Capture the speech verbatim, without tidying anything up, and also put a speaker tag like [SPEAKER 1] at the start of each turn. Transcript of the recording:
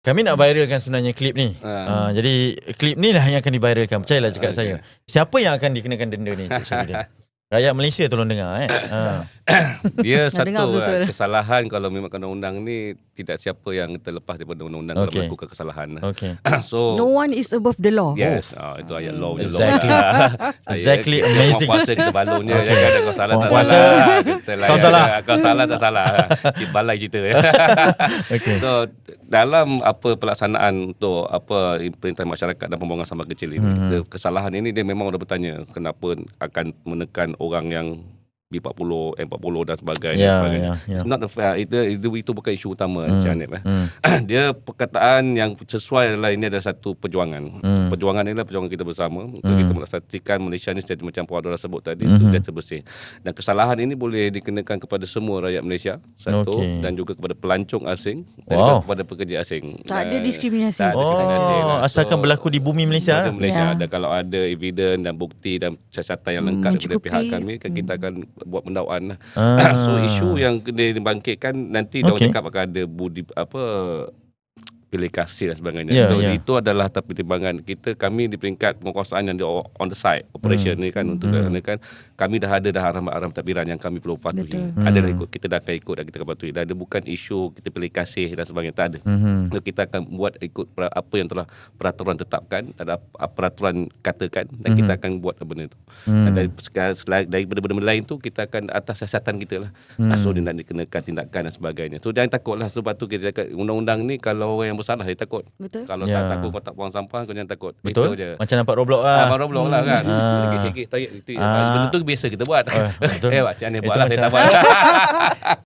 [SPEAKER 1] Kami nak viralkan sebenarnya klip ni.
[SPEAKER 2] Ha.
[SPEAKER 1] Uh, jadi klip ni lah yang akan diviralkan. Percayalah cakap
[SPEAKER 2] Okay.
[SPEAKER 1] saya. Siapa yang akan dikenakan denda ni, Cik Syahrudin? Rakyat Malaysia tolong dengar eh. Uh.
[SPEAKER 2] Dia
[SPEAKER 3] Nak dengar
[SPEAKER 2] satu
[SPEAKER 3] betul-betul.
[SPEAKER 2] kan, kesalahan kalau memang undang-undang ni tidak siapa yang terlepas daripada undang-undang
[SPEAKER 1] Okay.
[SPEAKER 2] kalau melakukan kesalahan.
[SPEAKER 1] Okay.
[SPEAKER 2] So
[SPEAKER 3] No one is above the law.
[SPEAKER 2] yes, oh. itu ayat law je.
[SPEAKER 1] Exactly. Exactly,
[SPEAKER 2] Saya,
[SPEAKER 1] amazing.
[SPEAKER 2] Orang puasa kita balonnya.
[SPEAKER 1] Okay.
[SPEAKER 2] Jangan ada kau salah
[SPEAKER 1] Orang
[SPEAKER 2] tak
[SPEAKER 1] puasa,
[SPEAKER 2] salah. Kita
[SPEAKER 1] kau salah.
[SPEAKER 2] Kau salah tak salah. Kita balai cerita.
[SPEAKER 1] Okay.
[SPEAKER 2] So dalam apa pelaksanaan untuk apa perintah masyarakat dan pembuangan sampah kecil ini,
[SPEAKER 1] Hmm.
[SPEAKER 2] kesalahan ini dia memang dah bertanya kenapa akan menekan orang yang B empat puluh, M empat puluh dan sebagainya.
[SPEAKER 1] Ya,
[SPEAKER 2] sebagainya.
[SPEAKER 1] ya, ya.
[SPEAKER 2] It's not a fair. Itu, itu, itu bukan isu utama,
[SPEAKER 1] Hmm.
[SPEAKER 2] Encik Hanif. Eh.
[SPEAKER 1] Hmm.
[SPEAKER 2] Dia perkataan yang sesuai adalah ini adalah satu perjuangan.
[SPEAKER 1] Hmm.
[SPEAKER 2] Perjuangan ini adalah perjuangan kita bersama untuk
[SPEAKER 1] Hmm.
[SPEAKER 2] kita melaksanakan Malaysia ni seperti macam Puan Adora sebut tadi,
[SPEAKER 1] Hmm.
[SPEAKER 2] itu sejahtera bersih. Dan kesalahan ini boleh dikenakan kepada semua rakyat Malaysia, satu,
[SPEAKER 1] Okey.
[SPEAKER 2] dan juga kepada pelancong asing dan
[SPEAKER 1] Wow.
[SPEAKER 2] juga kepada pekerja asing.
[SPEAKER 3] Tak ada
[SPEAKER 2] Dan-
[SPEAKER 3] diskriminasi.
[SPEAKER 2] Tak ada diskriminasi.
[SPEAKER 1] Oh,
[SPEAKER 2] lah.
[SPEAKER 1] asalkan
[SPEAKER 2] So,
[SPEAKER 1] berlaku di bumi Malaysia.
[SPEAKER 2] Malaysia, Malaysia
[SPEAKER 3] Ya.
[SPEAKER 2] ada kalau ada evidence dan bukti dan siasatan yang
[SPEAKER 3] Hmm,
[SPEAKER 2] lengkap daripada
[SPEAKER 3] mencukupi.
[SPEAKER 2] pihak kami, kan kita akan buat pendakwaan lah.
[SPEAKER 1] Ah.
[SPEAKER 2] So isu yang kena dibangkitkan nanti dia
[SPEAKER 1] Okay.
[SPEAKER 2] orang cakap akan ada budi apa pilih kasih dan sebagainya.
[SPEAKER 1] Ya,
[SPEAKER 2] so,
[SPEAKER 1] ya.
[SPEAKER 2] Itu adalah tapi pertimbangan kita, kami di peringkat penguasaan yang di on the side operation
[SPEAKER 1] Hmm.
[SPEAKER 2] ni kan untuk
[SPEAKER 1] Hmm.
[SPEAKER 2] hmm. kan kami dah ada dah arahan-arahan tadbiran yang kami perlu patuhi.
[SPEAKER 3] Betul.
[SPEAKER 2] Ada dah
[SPEAKER 1] Hmm.
[SPEAKER 2] ikut, kita dah akan ikut dan kita akan patuhi. Dan ada bukan isu kita pilih kasih dan sebagainya, tak ada.
[SPEAKER 1] Hmm.
[SPEAKER 2] So, kita akan buat ikut pra- apa yang telah peraturan tetapkan, ada ap- peraturan katakan dan
[SPEAKER 1] Mhm.
[SPEAKER 2] kita akan buat benda itu.
[SPEAKER 1] Hmm.
[SPEAKER 2] Dan dari sekarang selain daripada benda-benda lain tu kita akan atas siasatan kita lah.
[SPEAKER 1] Hmm.
[SPEAKER 2] So dia nak dikenakan tindakan dan sebagainya. So jangan takutlah, sebab tu kita cakap undang-undang ni kalau orang yang bersalah dia takut.
[SPEAKER 3] Betul.
[SPEAKER 2] Kalau
[SPEAKER 1] Ya.
[SPEAKER 2] tak takut kau tak buang sampah, kau jangan takut.
[SPEAKER 1] Betul.
[SPEAKER 2] Itu je.
[SPEAKER 1] Macam nampak Roblox
[SPEAKER 2] Ah,
[SPEAKER 1] lah.
[SPEAKER 2] baru blok lah kan.
[SPEAKER 1] Ah.
[SPEAKER 2] Hegek-hegek tarik itu.
[SPEAKER 1] Ah.
[SPEAKER 2] Benda tu biasa kita buat.
[SPEAKER 1] Oh, betul.
[SPEAKER 2] Eh, macam ni
[SPEAKER 1] Itu
[SPEAKER 2] buat lah, saya
[SPEAKER 1] macam-
[SPEAKER 2] tak buat.